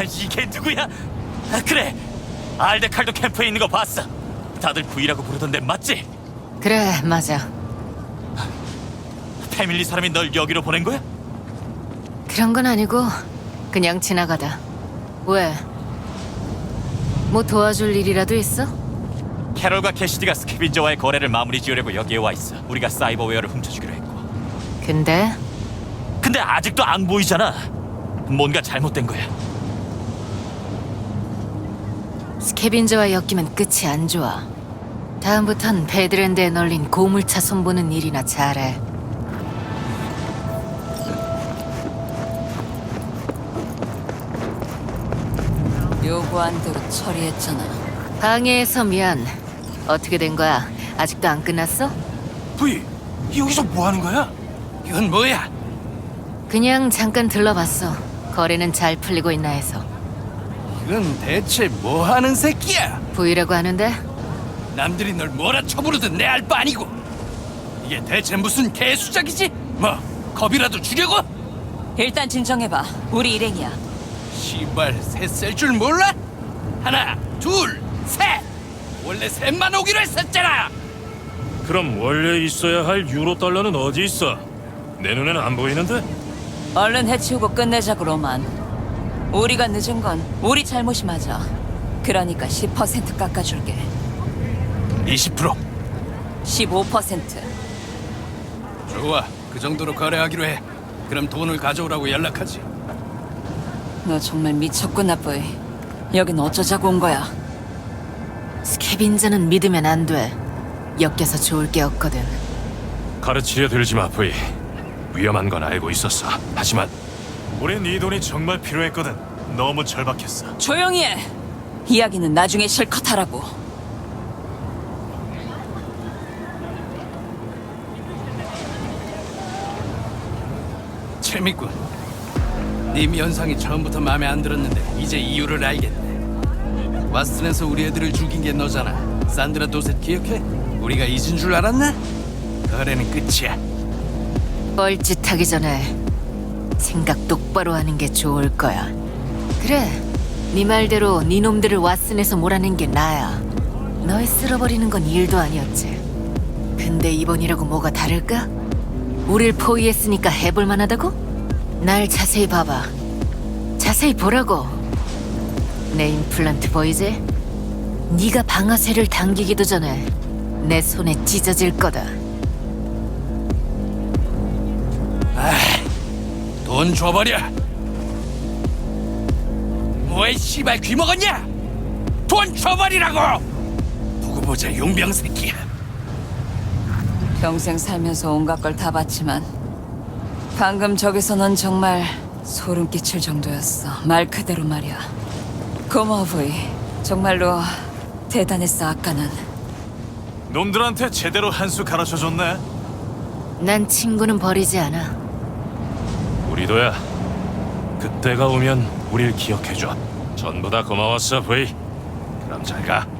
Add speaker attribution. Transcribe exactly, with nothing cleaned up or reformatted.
Speaker 1: 이게 누구야? 아, 그래, 알데칼도 캠프에 있는 거 봤어. 다들 V라고 부르던데 맞지?
Speaker 2: 그래, 맞아.
Speaker 1: 패밀리 사람이 널 여기로 보낸 거야?
Speaker 2: 그런 건 아니고 그냥 지나가다. 왜? 뭐 도와줄 일이라도 있어?
Speaker 1: 캐롤과 캐시디가 스캐빈저와의 거래를 마무리 지으려고 여기에 와 있어. 우리가 사이버웨어를 훔쳐주기로 했고.
Speaker 2: 근데
Speaker 1: 근데 아직도 안 보이잖아. 뭔가 잘못된 거야.
Speaker 2: 스캐빈저와 엮이면 끝이 안 좋아. 다음부턴 베드랜드에 널린 고물차 손보는 일이나 잘해.
Speaker 3: 요구한 대로 처리했잖아.
Speaker 2: 방해해서 미안. 어떻게 된 거야? 아직도 안 끝났어?
Speaker 4: V, 여기서 뭐 하는 거야? 이건 뭐야?
Speaker 2: 그냥 잠깐 들러봤어. 거래는 잘 풀리고 있나 해서.
Speaker 4: 이건 대체 뭐 하는 새끼야?
Speaker 2: 부이라고 하는데
Speaker 4: 남들이 널 뭐라 쳐부르든 내 알 바 아니고. 이게 대체 무슨 개수작이지? 뭐 겁이라도 주려고?
Speaker 3: 일단 진정해봐. 우리 일행이야.
Speaker 4: 시발 셋 셀 줄 몰라? 하나, 둘, 셋. 원래 셋만 오기로 했었잖아.
Speaker 5: 그럼 원래 있어야 할 유로 달러는 어디 있어? 내 눈에는 안 보이는데?
Speaker 3: 얼른 해치우고 끝내자고, 로만. 우리가 늦은 건 우리 잘못이 맞아. 그러니까 십 퍼센트 깎아줄게.
Speaker 4: 이십 퍼센트.
Speaker 3: 십오 퍼센트.
Speaker 4: 좋아, 그 정도로 거래하기로 해. 그럼 돈을 가져오라고 연락하지.
Speaker 3: 너 정말 미쳤구나, 뿌이. 여긴 어쩌자고 온 거야?
Speaker 2: 스캐빈저는 믿으면 안 돼. 엮여서 좋을 게 없거든.
Speaker 5: 가르치려 들지 마, 브이. 위험한 건 알고 있었어. 하지만 우린 이 돈이 정말 필요했거든. 너무 절박했어.
Speaker 3: 조용히 해! 이야기는 나중에 실컷 하라고.
Speaker 4: 재밌군. 네 면상이 처음부터 마음에 안 들었는데 이제 이유를 알겠네. 와스턴에서 우리 애들을 죽인 게 너잖아. 산드라 도셋 기억해? 우리가 잊은 줄 알았나? 거래는 끝이야.
Speaker 2: 뻘짓하기 전에 생각 똑바로 하는 게 좋을 거야. 그래, 네 말대로 네 놈들을 왓슨에서 몰아낸 게 나야. 널 쓸어버리는 건 일도 아니었지. 근데 이번이라고 뭐가 다를까? 우릴 포위했으니까 해볼 만하다고? 날 자세히 봐봐. 자세히 보라고. 내 임플란트 보이지? 네가 방아쇠를 당기기도 전에 내 손에 찢어질 거다.
Speaker 4: 돈 줘버려. 뭐에 씨발 귀 먹었냐? 돈 줘버리라고. 두고 보자 용병 새끼야.
Speaker 3: 평생 살면서 온갖 걸 다 봤지만 방금 저기서 넌 정말 소름 끼칠 정도였어. 말 그대로 말이야. 고마워, 브이. 정말로 대단했어, 아까는.
Speaker 5: 놈들한테 제대로 한 수 가르쳐줬네.
Speaker 2: 난 친구는 버리지 않아.
Speaker 5: 우리도야. 그때가 오면 우릴 기억해줘. 전부 다 고마웠어, 브이. 그럼 잘 가.